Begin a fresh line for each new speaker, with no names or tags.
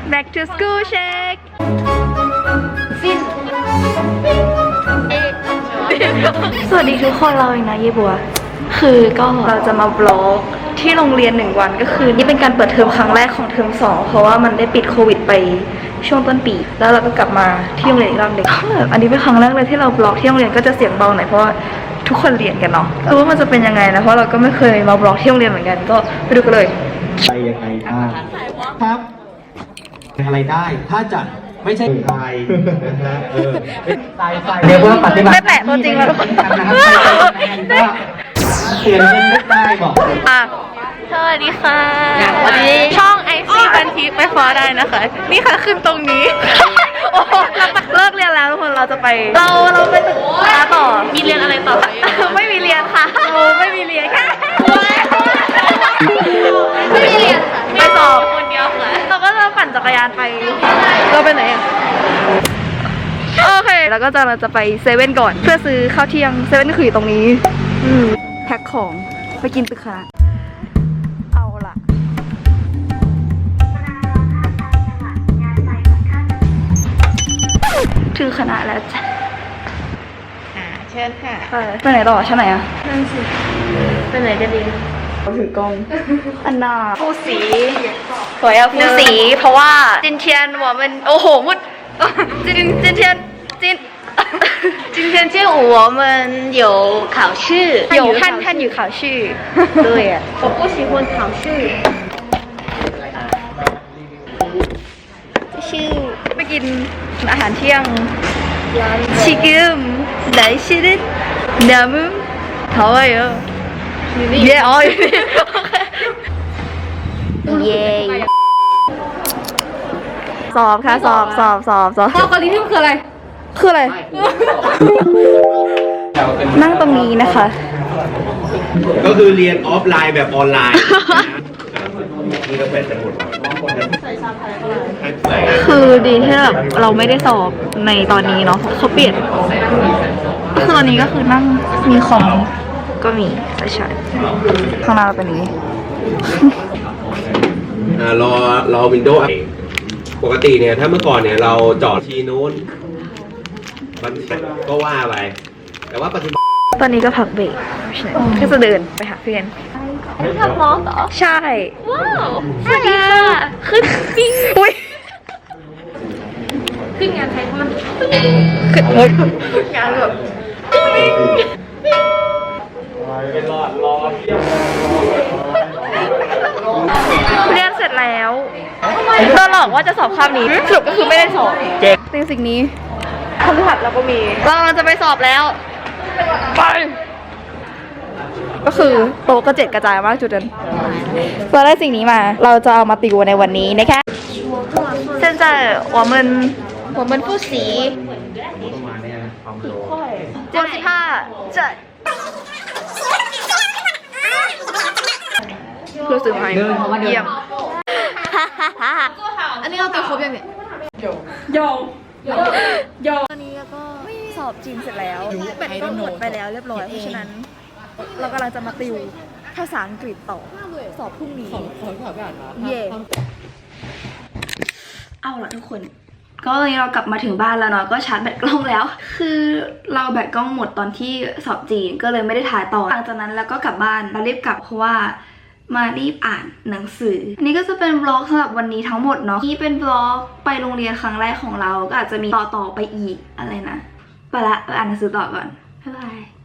back to school check สวัสดีทุกคนเราเองนะเยบัวคือก็เราจะมาบล็อกที่โรงเรียน1 วันก็คือนี่เป็นการเปิดเทอมครั้งแรกของเทอม2เพราะว่ามันได้ปิดโควิดไปช่วงต้นปีแล้วเราก็กลับมาที่โรงเรียนอีกรอบหนึ่งอันนี้เป็นครั้งแรกเลยที่เราบล็อกที่โรงเรียนก็จะเสียงเบาหน่อยเพราะว่าทุกคนเรียนกันเนาะว่ามันจะเป็นยังไงนะเพราะเราก็ไม่เคยมาบล็อกที่โรงเรียนเหมือนกันก็ไปดูกันเลย
ไปยังไงครับอะไรได้ถ้าจัดไม่ใช่ไฟนะฮะเรียกว่าปฏิบัติ
ไม่แปะตัวจริงแล้วทุกคน
นะครับเขียนยังไม่ได้บอก
สวัสดีค่ะวันนี้ช่อง IC พันทิพย์ไปฟอได้นะคะนี่ค่ะขึ้นตรงนี้โอ้เลิกเรียนแล้วทุกคนเราจะไปเราไปตึกต่อมีเรียนอะไรต่อไม่มีเรียนค่ะไม่มีเรียนค่ะไม่มีเรียนค่ะไปสอบคนเดียวค่ะเราก็จะปั่นจักรยานไปเราไปไหนโอเคแล้วก็เราจะไปเซเว่นก่อนเพื่อซื้อข้าวเที่ยงเซเว่นก็คืออยู่ตรงนี้แพ็คของไปกินตึกค่ะเอาล่ะถึงคณะแล้วจ้ะ
เชิญค่ะ
ไปไหนต่อชั้นไหนอ่ะ
นั่นสิไปไหนกันดี
เราถือกล้องอันน่าฟูสีสวยอะฟูสีเพราะว่าจินเทียนว่ามันโอ้โหมุดจินเทียน
今天下午我们有考试
有汉语考试
对我不喜欢考试
ชื่อไปกินอาหารเที่ยงชิคกี้พายได้ชิลิดน้ำมันเท่าไหร่อ่ะเย่อ๋อเย่สอบค่ะสอบ
เกาหลีที่มันคืออะไร
นั่งตรงนี้นะคะ
ก็คือเรียนออฟไลน์แบบออนไลน์นี่ก็เป็นสมุด
คือดีที่แบบเราไม่ได้สอบในตอนนี้เนาะเขาเปลี่ยนคือตอนนี้ก็คือนั่งมีคอมก็มีใช่ข้างหน้าเราเป็นนี้
รอวินโดว์ปกติเนี่ยถ้าเมื่อก่อนเนี่ยเราจอดที่นู้นมันก็ว่าไปแต่ว่าปัจจุบัน
ตอนนี้ก็พักเบรกก็จะเดินไปหาเพื่อน
ขับรถเหรอ
ใช่
ว้าวสวัสดีค่ะขึ้นจริง
อุ้ย
ขึ้นงานไทยมัน
ขึ้นงานแบบเรียนเสร็จแล้วโดนหลอกว่าจะสอบคาบนี้สรุปก็คือไม่ได้สอบสิ่งนี้คำถัดเราก็มีเราจะไปสอบแล้วไปก็คือโต๊ะกระเจ็ดกระจายมากจุดนั้นเราได้สิ่งนี้มาเราจะเอามาติวในวันนี้นะคะ现在我们复习65这รู้สึกไหมเยี่ยม
อันนี้เราติวครบยังเนี่ย
ตอนนี้ก็สอบจีนเสร็จแล้วเป็ดก็หมดไปแล้วเรียบร้อยเพราะฉะนั้นเรากำลังจะมาติวภาษาอังกฤษต่อสอบพรุ่งนี้เย่เอาล่ะทุกคนก็ตอนนี้เรากลับมาถึงบ้านแล้วเนาะก็ชาร์จแบตกล้องแล้วคือเราแบตกล้องหมดตอนที่สอบจีนก็เลยไม่ได้ถ่ายต่อหลังจากนั้นแล้วก็กลับบ้านแล้วรีบกลับเพราะว่ามารีบอ่านหนังสืออันนี้ก็จะเป็นบล็อกสำหรับวันนี้ทั้งหมดเนาะนี่เป็นบล็อกไปโรงเรียนครั้งแรกของเราก็อาจจะมีต่อไปอีกอะไรนะไปละอ่านหนังสือต่อก่อนบ๊ายบาย